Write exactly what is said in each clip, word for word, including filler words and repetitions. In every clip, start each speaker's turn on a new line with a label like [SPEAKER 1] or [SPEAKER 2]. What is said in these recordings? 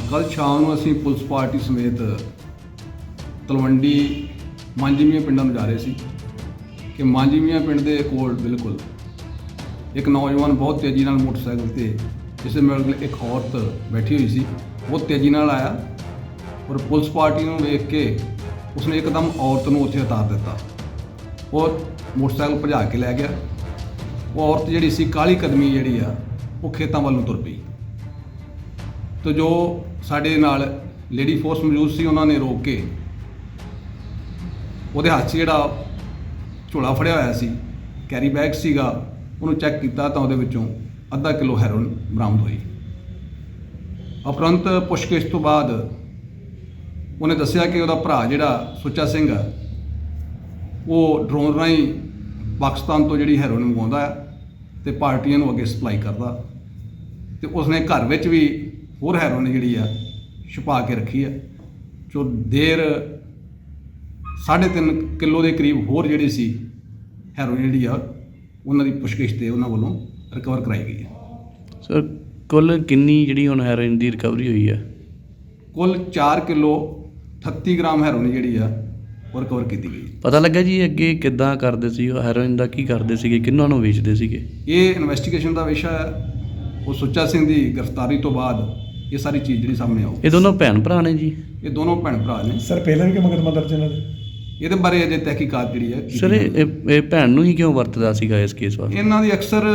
[SPEAKER 1] ਕੱਲ੍ਹ ਸ਼ਾਮ ਨੂੰ ਅਸੀਂ ਪੁਲਿਸ ਪਾਰਟੀ ਸਮੇਤ ਤਲਵੰਡੀ ਮਾਂਜੀਮੀਆਂ ਪਿੰਡਾਂ ਨੂੰ ਜਾ ਰਹੇ ਸੀ ਕਿ ਮਾਂਜੀਮੀਆਂ ਪਿੰਡ ਦੇ ਕੋਲ ਬਿਲਕੁਲ ਇੱਕ ਨੌਜਵਾਨ ਬਹੁਤ ਤੇਜ਼ੀ ਨਾਲ ਮੋਟਰਸਾਈਕਲ ਤੇ ਜਿਸ ਦੇ ਮਗਰ ਇੱਕ ਔਰਤ ਬੈਠੀ ਹੋਈ ਸੀ, ਬਹੁਤ ਤੇਜ਼ੀ ਨਾਲ ਆਇਆ ਔਰ ਪੁਲਿਸ ਪਾਰਟੀ ਨੂੰ ਵੇਖ ਕੇ ਉਸਨੇ ਇੱਕਦਮ ਔਰਤ ਨੂੰ ਉੱਥੇ ਉਤਾਰ ਦਿੱਤਾ। ਉਹ ਮੋਟਰਸਾਈਕਲ ਭਜਾ ਕੇ ਲੈ ਗਿਆ। ਉਹ ਔਰਤ ਜਿਹੜੀ ਸੀ ਕਾਹਲੀ ਕਦਮੀ ਜਿਹੜੀ ਆ ਉਹ ਖੇਤਾਂ ਵੱਲ ਨੂੰ ਤੁਰ ਪਈ। ਤੇ ਜੋ ਸਾਡੇ ਨਾਲ ਲੇਡੀ ਫੋਰਸ ਮੌਜੂਦ ਸੀ ਉਹਨਾਂ ਨੇ ਰੋਕ ਕੇ ਉਹਦੇ ਹੱਥ 'ਚ ਜਿਹੜਾ ਝੋਲਾ ਫੜਿਆ ਹੋਇਆ ਸੀ, ਕੈਰੀ ਬੈਗ ਸੀਗਾ, ਉਹਨੂੰ ਚੈੱਕ ਕੀਤਾ ਤਾਂ ਉਹਦੇ ਵਿੱਚੋਂ ਅੱਧਾ ਕਿਲੋ ਹੈਰੋਇਨ ਬਰਾਮਦ ਹੋਈ। ਉਪਰੰਤ ਪੁੱਛਗਿੱਛ ਤੋਂ ਬਾਅਦ ਉਹਨੇ ਦੱਸਿਆ ਕਿ ਉਹਦਾ ਭਰਾ ਜਿਹੜਾ ਸੁੱਚਾ ਸਿੰਘ ਆ ਉਹ ਡਰੋਨ ਰਾਹੀਂ ਪਾਕਿਸਤਾਨ ਤੋਂ ਜਿਹੜੀ ਹੈਰੋਇਨ ਮੰਗਵਾਉਂਦਾ ਆ ਅਤੇ ਪਾਰਟੀਆਂ ਨੂੰ ਅੱਗੇ ਸਪਲਾਈ ਕਰਦਾ, ਅਤੇ ਉਸਨੇ ਘਰ ਵਿੱਚ ਵੀ ਹੋਰ ਹੈਰੋਇਨ ਜਿਹੜੀ ਆ ਛੁਪਾ ਕੇ ਰੱਖੀ ਆ, ਜੋ ਦੇਰ ਸਾਢੇ ਤਿੰਨ ਕਿਲੋ ਦੇ ਕਰੀਬ ਹੋਰ ਜਿਹੜੀ ਸੀ ਹੈਰੋਇਨ ਜਿਹੜੀ ਆ ਉਹਨਾਂ ਦੀ ਪੁੱਛਗਿੱਛ 'ਤੇ ਉਹਨਾਂ ਵੱਲੋਂ ਰਿਕਵਰ ਕਰਾਈ ਗਈ ਹੈ।
[SPEAKER 2] ਸਰ ਕੁੱਲ ਕਿੰਨੀ ਜਿਹੜੀ ਹੁਣ ਹੈਰੋਇਨ ਦੀ ਰਿਕਵਰੀ ਹੋਈ ਹੈ?
[SPEAKER 1] ਕੁੱਲ ਚਾਰ ਕਿਲੋ ਅਠੱਤੀ ਗ੍ਰਾਮ ਹੈਰੋਇਨ ਜਿਹੜੀ ਆ ਉਹ ਰਿਕਵਰ ਕੀਤੀ ਗਈ।
[SPEAKER 2] ਪਤਾ ਲੱਗਾ ਜੀ ਅੱਗੇ ਕਿੱਦਾਂ ਕਰਦੇ ਸੀ ਉਹ ਹੈਰੋਇਨ ਦਾ, ਕੀ ਕਰਦੇ ਸੀਗੇ, ਕਿਹਨਾਂ ਨੂੰ ਵੇਚਦੇ ਸੀਗੇ?
[SPEAKER 1] ਇਹ ਇਨਵੈਸਟੀਗੇਸ਼ਨ ਦਾ ਵਿਸ਼ਾ ਹੈ। ਉਹ ਸੁੱਚਾ ਸਿੰਘ ਦੀ ਗ੍ਰਿਫਤਾਰੀ ਤੋਂ ਬਾਅਦ ਇਹ ਸਾਰੀ ਚੀਜ਼ ਜਿਹੜੀ ਸਾਹਮਣੇ ਆਊ।
[SPEAKER 2] ਇਹ ਦੋਨੋਂ ਭੈਣ ਭਰਾ ਨੇ ਜੀ?
[SPEAKER 1] ਇਹ ਦੋਨੋਂ ਭੈਣ ਭਰਾ ਨੇ।
[SPEAKER 3] ਸਰ ਪਹਿਲਾਂ ਵੀ ਕਿ ਮੁਕੱਦਮਾ ਦਰਜ ਇਹਨਾਂ ਦੇ?
[SPEAKER 1] ਇਹਦੇ ਬਾਰੇ ਅਜੇ ਤਹਿਕੀਕਾਤ ਜਿਹੜੀ ਹੈ ਕੀਤੀ
[SPEAKER 2] ਸਰ ਇਹ ਇਹ- ਇਹ ਭੈਣ ਨੂੰ ਹੀ ਕਿਉਂ ਵਰਤਦਾ ਸੀਗਾ ਇਸ ਕੇਸ ਵਾਸਤੇ?
[SPEAKER 1] ਇਹਨਾਂ ਦੀ ਅਕਸਰ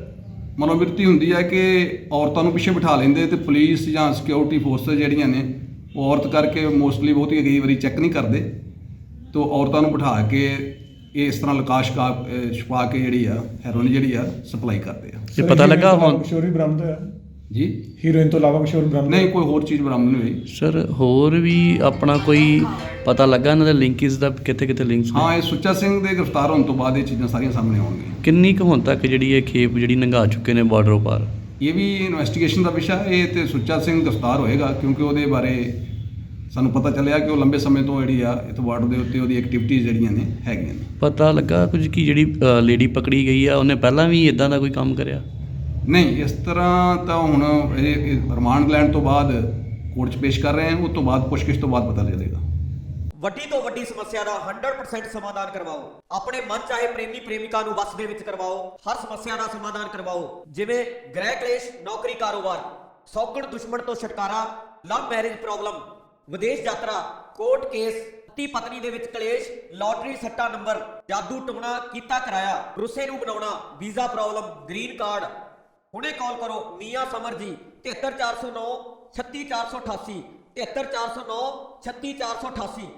[SPEAKER 1] ਮਨੋਵਿਰਤੀ ਹੁੰਦੀ ਹੈ ਕਿ ਔਰਤਾਂ ਨੂੰ ਪਿੱਛੇ ਬਿਠਾ ਲੈਂਦੇ ਤੇ ਪੁਲਿਸ ਜਾਂ ਸਿਕਿਉਰਿਟੀ ਫੋਰਸ ਜਿਹੜੀਆਂ ਨੇ ਉਹ ਔਰਤ ਕਰਕੇ ਮੋਸਟਲੀ ਬਹੁਤੀ ਕਈ ਵਾਰੀ ਚੈੱਕ ਨਹੀਂ ਕਰਦੇ, ਤੋਂ ਔਰਤਾਂ ਨੂੰ ਬਿਠਾ ਕੇ ਇਹ ਇਸ ਤਰ੍ਹਾਂ ਲਕਾਸ਼ ਕਾ ਛੁਪਾ ਕੇ ਜਿਹੜੀ ਆ ਹੈਰੋਇਨ ਜਿਹੜੀ ਆ ਸਪਲਾਈ ਕਰਦੇ ਆ।
[SPEAKER 2] ਇਹ ਪਤਾ ਲੱਗਾ ਹੁਣ
[SPEAKER 3] ਕਿਸ਼ੋਰ ਵੀ ਬਰਾਮਦ ਹੋਇਆ
[SPEAKER 1] ਜੀ?
[SPEAKER 3] ਹੀਰੋਇਨ ਤੋਂ ਇਲਾਵਾ ਕਿਸ਼ੋਰ ਬਰਾਮਦ
[SPEAKER 1] ਨਹੀਂ, ਕੋਈ ਹੋਰ ਚੀਜ਼ ਬਰਾਮਦ ਨਹੀਂ ਹੋਈ।
[SPEAKER 2] ਸਰ ਹੋਰ ਵੀ ਆਪਣਾ ਕੋਈ ਪਤਾ ਲੱਗਾ ਇਹਨਾਂ ਦੇ ਲਿੰਕਸ ਦਾ, ਕਿੱਥੇ ਕਿੱਥੇ ਲਿੰਕਸ ਨੇ?
[SPEAKER 1] ਹਾਂ, ਇਹ ਸੁੱਚਾ ਸਿੰਘ ਦੇ ਗ੍ਰਿਫਤਾਰ ਹੋਣ ਤੋਂ ਬਾਅਦ ਇਹ ਚੀਜ਼ਾਂ ਸਾਰੀਆਂ ਸਾਹਮਣੇ ਆਉਣਗੀਆਂ।
[SPEAKER 2] ਕਿੰਨੀ ਕੁ ਹੁਣ ਤੱਕ ਜਿਹੜੀ ਇਹ ਖੇਪ ਜਿਹੜੀ ਲੰਘਾ ਚੁੱਕੇ ਨੇ ਬਾਰਡਰੋਂ ਪਾਰ?
[SPEAKER 1] ਇਹ ਵੀ ਇਨਵੈਸਟੀਗੇਸ਼ਨ ਦਾ ਵਿਸ਼ਾ ਹੈ। ਇਹ ਤੇ ਸੁੱਚਾ ਸਿੰਘ ਗ੍ਰਿਫਤਾਰ ਹੋਏਗਾ ਕਿਉਂਕਿ ਉਹਦੇ ਬਾਰੇ ਸਾਨੂੰ ਪਤਾ ਚੱਲਿਆ ਕਿ ਉਹ ਲੰਬੇ ਸਮੇਂ ਤੋਂ ਜਿਹੜੀ ਆ ਇੱਥੇ ਬਾਰਡਰ ਦੇ ਉੱਤੇ ਉਹਦੀ ਐਕਟੀਵਿਟੀਜ਼ ਜਿਹੜੀਆਂ ਨੇ ਹੈਗੀਆਂ ਨੇ।
[SPEAKER 2] ਪਤਾ ਲੱਗਾ ਕੁਝ ਕਿ ਜਿਹੜੀ ਲੇਡੀ ਪਕੜੀ ਗਈ ਆ ਉਹਨੇ ਪਹਿਲਾਂ ਵੀ ਇਦਾਂ ਦਾ ਕੋਈ ਕੰਮ ਕਰਿਆ?
[SPEAKER 1] ਨਹੀਂ, ਇਸ ਤਰ੍ਹਾਂ ਤਾਂ ਹੁਣ ਇਹ ਰਿਮਾਂਡ ਲੈਣ ਤੋਂ ਬਾਅਦ ਕੋਰਟ 'ਚ ਪੇਸ਼ ਕਰ ਰਹੇ ਹਾਂ, ਉਸ ਤੋਂ ਬਾਅਦ ਪੁੱਛਗਿੱਛ ਤੋਂ ਬਾਅਦ ਪਤਾ ਚੱਲੇਗਾ।
[SPEAKER 4] ਵੱਡੀ ਤੋਂ ਵੱਡੀ ਸਮੱਸਿਆ ਦਾ ਸੌ ਪਰਸੈਂਟ ਸਮਾਧਾਨ ਕਰਵਾਓ। ਆਪਣੇ ਮਨ ਚਾਹੇ ਪ੍ਰੇਮੀ ਪ੍ਰੇਮਿਕਾ ਨੂੰ ਵਸ ਦੇ ਵਿੱਚ ਕਰਵਾਓ। ਹਰ ਸਮੱਸਿਆ ਦਾ ਸਮਾਧਾਨ ਕਰਵਾਓ, ਜਿਵੇਂ ਗ੍ਰਹਿ ਕਲੇਸ਼, ਨੌਕਰੀ, ਕਾਰੋਬਾਰ, ਸੌਗਣ ਦੁਸ਼ਮਣ ਤੋਂ ਛੁਟਕਾਰਾ, ਲਵ ਮੈਰਿਜ ਪ੍ਰੋਬਲਮ, ਵਿਦੇਸ਼ ਯਾਤਰਾ, ਕੋਰਟ ਕੇਸ, ਪਤੀ ਪਤਨੀ ਦੇ ਵਿੱਚ ਕਲੇਸ਼, ਲਾਟਰੀ ਸੱਟਾ ਨੰਬਰ, ਜਾਦੂ ਟੂਣਾ ਕੀਤਾ ਕਰਾਇਆ, ਰੁੱਸੇ ਨੂੰ ਬਣਾਉਣਾ, ਵੀਜ਼ਾ ਪ੍ਰੋਬਲਮ, ਗ੍ਰੀਨ ਕਾਰਡ। ਹੁਣੇ ਕਾਲ ਕਰੋ ਮੀਆਂ ਸਮਰ ਜੀ, ਤਿਹੱਤਰ ਚਾਰ ਸੌ ਨੌ ਛੱਤੀ ਚਾਰ ਸੌ ਅਠਾਸੀ, ਤਿਹੱਤਰ ਚਾਰ ਸੌ ਨੌ ਛੱਤੀ ਚਾਰ ਸੌ ਅਠਾਸੀ।